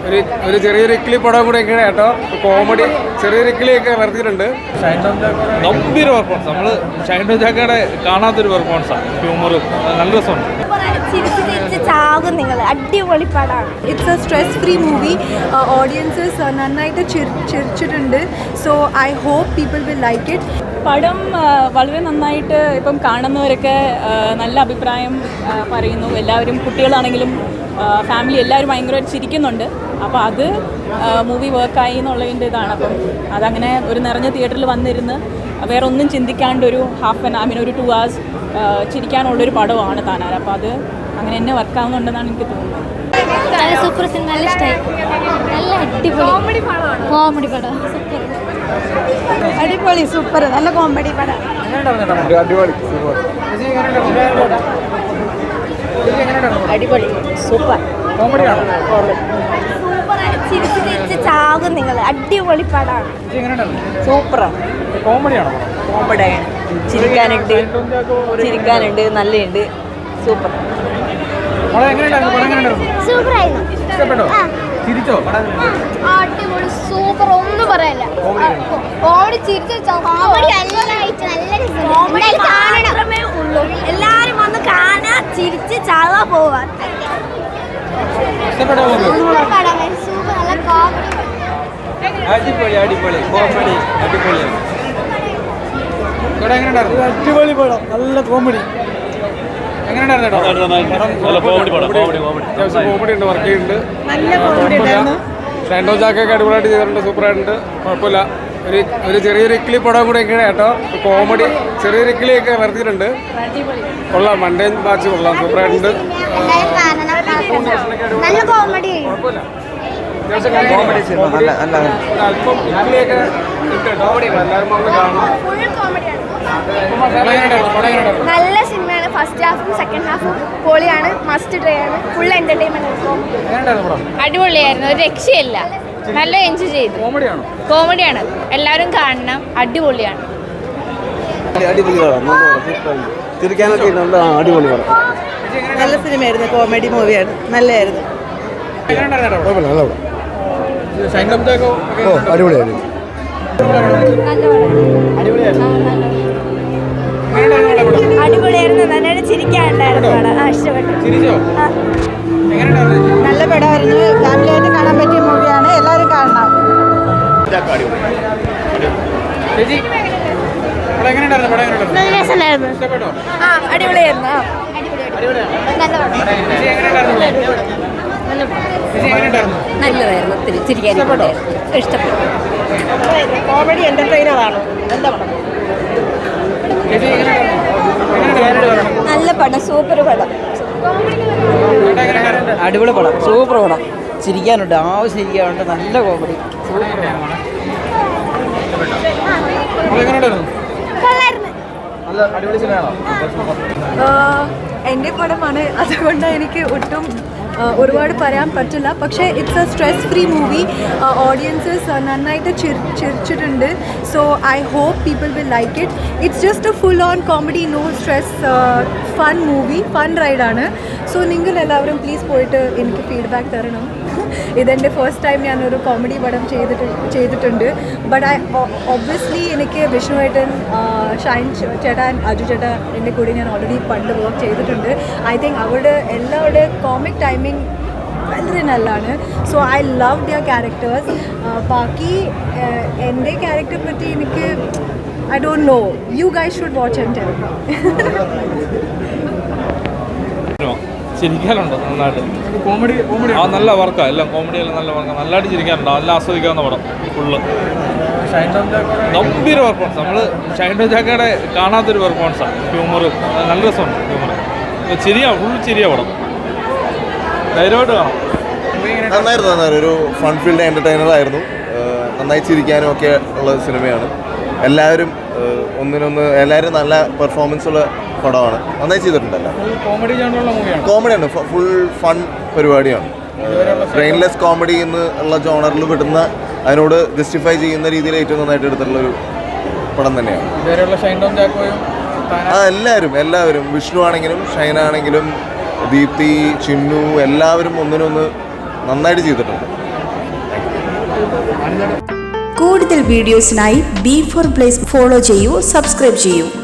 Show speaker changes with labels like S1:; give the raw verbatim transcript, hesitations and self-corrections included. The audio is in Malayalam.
S1: ഒരു ഒരു ചെറിയൊരു ഇക്കിളി പടം കൂടെ ഒക്കെയാണ് കേട്ടോ. കോമഡി ചെറിയൊരു ഇക്കിളിയൊക്കെ വരുത്തിയിട്ടുണ്ട്.
S2: ഗംഭീര പെർഫോമൻസ്. നമ്മൾ ഷൈൻ ടോം ചാക്കയുടെ കാണാത്തൊരു പെർഫോമൻസാണ്. ഹ്യൂമറും നല്ല രസമുണ്ട്.
S3: അടിപൊളി പടമാണ്. It's a stress free movie. Audiences നന്നായിട്ട് ചിരിച്ചിട്ടുണ്ട്. So I hope people will like it.
S4: പടം വളരെ നന്നായിട്ട് ഇപ്പം കാണുന്നവരൊക്കെ നല്ല അഭിപ്രായം പറയുന്നു. എല്ലാവരും കുട്ടികളാണെങ്കിലും ഫാമിലി എല്ലാവരും ഭയങ്കരമായിട്ട് ചിരിക്കുന്നുണ്ട്. അപ്പോൾ അത് മൂവി വർക്കായി എന്നുള്ളതിൻ്റെ ഇതാണ്. അപ്പം അതങ്ങനെ ഒരു നിറഞ്ഞ തിയേറ്ററിൽ വന്നിരുന്ന് വേറെ ഒന്നും ചിന്തിക്കാണ്ട് ഒരു ഹാഫ് ആൻ ഐ മീൻ ഒരു ടു അവേഴ്സ് ചിരിക്കാനുള്ളൊരു പടമാണ് താനാർ. അപ്പോൾ അത് അങ്ങനെ തന്നെ വർക്കാവുന്നുണ്ടെന്നാണ് എനിക്ക് തോന്നുന്നത്.
S5: നല്ല സൂപ്പർ സിനിമ, നല്ല ഇഷ്ടമായി. നല്ല അടിപൊളി കോമഡി പടമാണ്. കോമഡി പടം സൂപ്പർ,
S3: അടിപൊളി സൂപ്പർ, നല്ല കോമഡി പടം.
S1: അടിപൊളി സൂപ്പർ.
S3: അടിപൊളി സൂപ്പർ
S1: കോമഡിയാണ്.
S3: സൂപ്പറാണ്. ചിരിച്ച് ചിരിച്ച് ചാകും നിങ്ങൾ. അടിപൊളി പടമാണ്.
S6: സൂപ്പറാണ്.
S1: കോമഡിയാണോ?
S6: കോമഡിയാണ്. ചിരിക്കാനുണ്ട് ചിരിക്കാനുണ്ട് നല്ലുണ്ട്. സൂപ്പർ.
S5: സൂപ്പറായിരുന്നു.
S1: ഇഷ്ടപ്പെട്ടോ? ചിരിച്ചോ?
S5: അടിപൊളി സൂപ്പർ, ഒന്നും പറയാനില്ല. കോമഡി ചിരിച്ച് കോമഡി
S3: മാത്രമേ ഉള്ളൂ. എല്ലാരും വന്ന് കാണാൻ, ചിരിച്ച് ചാവാ പോവാൻ.
S5: സൂപ്പർ പടം, സൂപ്പർ, നല്ല കോമഡി.
S2: അടിപൊളി അടിപൊളി കോമഡി അടിപൊളിയാണ്.
S6: അടിപൊളി പടം, നല്ല കോമഡി.
S1: കോമഡി ഉണ്ട്, വർക്ക് ചെയ്യുന്നുണ്ട്.
S6: നല്ല കോമഡി ഉണ്ടായിരുന്നു.
S1: ഷൈൻ ടോം ചാക്കയൊക്കെ അടിപൊളിയായിട്ട് ചെയ്തിട്ടുണ്ട്. സൂപ്പറായിട്ടുണ്ട്. കുഴപ്പമില്ല. ഒരു ഒരു ചെറിയൊരു ഇക്കിളി പടം കൂടെ ഒക്കെയാണ് കേട്ടോ. കോമഡി ചെറിയൊരു ഇക്കിളിയൊക്കെ വരുത്തിയിട്ടുണ്ട്. കൊള്ളാം. മണ്ടേൻ ബാച്ച് കൊള്ളാം. സൂപ്പറായിട്ടുണ്ട്.
S5: നല്ല കോമഡി.
S1: അല്പം ഇക്കിളിയൊക്കെ ഉണ്ട് കേട്ടോ. എല്ലാവരും വന്ന് കാണണം.
S5: നല്ല സിനിമയാണ്. ഫസ്റ്റ് ഹാഫും സെക്കൻഡ് ഹാഫും പൊളിയാണ്. മസ്റ്റ് ട്രൈ ആണ്. Full entertainment.
S7: അടിപൊളിയായിരുന്നു. ഒരു രക്ഷയില്ല. നല്ല എൻജോയ് ചെയ്തു. കോമഡിയാണ്. എല്ലാവരും കാണണം. അടിപൊളിയാണ്.
S8: ചിരിക്കാനൊക്കെ അടിപൊളി പടം.
S6: നല്ല സിനിമയായിരുന്നു. കോമഡി മൂവിയാണ്. നല്ലതായിരുന്നു.
S8: അടിപൊളിയായിരുന്നു.
S3: അടിപൊളിയായിരുന്നു. നന്നായിട്ട് ചിരിക്കാനുണ്ടായിരുന്നു. ഇഷ്ടപ്പെട്ടു.
S6: നല്ല പടമായിരുന്നു. ഫാമിലിയായിട്ട് കാണാൻ പറ്റിയ മൂവിയാണ്. എല്ലാവരും കാണണം.
S3: ആ അടിപൊളിയായിരുന്നു.
S6: നല്ലതായിരുന്നു. ഒത്തിരി ചിരിക്കാൻ ഇഷ്ടപ്പെട്ടു. കോമഡി എന്റർടൈനറാണ്. എന്താ പടം?
S3: നല്ല പടം. സൂപ്പർ പടം.
S6: അടിപൊളി പടം. സൂപ്പർ പടം. ചിരിക്കാനുണ്ട്, ആവശ്യം ചിരിക്കാനുണ്ട്. നല്ല കോമഡി.
S3: എൻ്റെ പടമാണ്. അതുകൊണ്ട് എനിക്ക് ഒട്ടും ഒരുപാട് പറയാൻ പറ്റില്ല. പക്ഷേ it's a stress free movie. Audiences നന്നായിട്ട് ചിരിച്ചിട്ടുണ്ട്. So I hope people will like it. It's just a full on comedy, no stress, fun movie, fun റൈഡാണ്. സോ നിങ്ങൾ എല്ലാവരും പ്ലീസ് പോയിട്ട് എനിക്ക് ഫീഡ്ബാക്ക് തരണം. ഇതെൻ്റെ ഫസ്റ്റ് ടൈം ഞാനൊരു കോമഡി പടം ചെയ്തിട്ട് ചെയ്തിട്ടുണ്ട് ബട്ട് ഐ ഒബ്വിയസ്ലി എനിക്ക് വിഷ്ണുവേട്ടൻ, ഷൈൻ ചേട്ടാ, അജു ചേട്ടാ എൻ്റെ കൂടെ ഞാൻ ഓൾറെഡി പണ്ട് വർക്ക് ചെയ്തിട്ടുണ്ട്. ഐ തിങ്ക് അവരുടെ എല്ലാവരുടെ കോമിക് ടൈമിംഗ് വളരെ നല്ലതാണ്. So I love their characters. ബാക്കി എൻ്റെ ക്യാരക്ടറെ പറ്റി എനിക്ക് I don't know. You guys should watch and tell.
S2: ചിരിക്കാനുണ്ടോ? നന്നായിട്ട് കോമഡി കോമഡി ആ നല്ല വർക്കാണ്. എല്ലാം കോമഡിയെല്ലാം നല്ല വർക്കാണ്. നല്ലതായിട്ട് ചിരിക്കാനുണ്ടോ? നല്ല ആസ്വദിക്കാവുന്ന പടം. ഫുള്ള് ഗംഭീര പെർഫോമൻസ്. നമ്മൾ ഷൈൻ ടോം ചാക്കയുടെ കാണാത്തൊരു പെർഫോമൻസാണ്. ഹ്യൂമറും നല്ല രസമുണ്ട്. ഹ്യൂമർ ചിരിയാണ്. ഫുൾ ചിരിയ പടം. ധൈര്യമായിട്ട് കാണാം.
S8: നന്നായിരുന്നു. നന്നായിരുന്നു. ഒരു ഫൺ ഫീൽഡ് എൻ്റർടൈനർ ആയിരുന്നു. നന്നായി ചിരിക്കാനും ഒക്കെ ഉള്ള സിനിമയാണ്. എല്ലാവരും ഒന്നിനൊന്ന് എല്ലാവരും നല്ല പെർഫോമൻസ് ഉള്ള പടമാണ്. നന്നായി ചെയ്തിട്ടുണ്ടല്ലോ. കോമഡിയാണ്. ഫുൾ ഫൺ പരിപാടിയാണ്. ബ്രെയിൻലെസ് കോമഡി എന്ന് ഉള്ള ജോണറിൽ വിടുന്ന, അതിനോട് ജസ്റ്റിഫൈ ചെയ്യുന്ന രീതിയിൽ ഏറ്റവും നന്നായിട്ട് എടുത്തിട്ടുള്ളൊരു പടം തന്നെയാണ്. ആ എല്ലാവരും എല്ലാവരും വിഷ്ണു ആണെങ്കിലും ഷൈൻ ആണെങ്കിലും ദീപ്തി, ചിന്നു എല്ലാവരും ഒന്നിനൊന്ന് നന്നായിട്ട് ചെയ്തിട്ടുണ്ട്.
S9: കൂടുതൽ വീഡിയോസിനായി ബി ഫോർ പ്ലേസ് ഫോളോ ചെയ്യൂ, സബ്സ്ക്രൈബ് ചെയ്യൂ.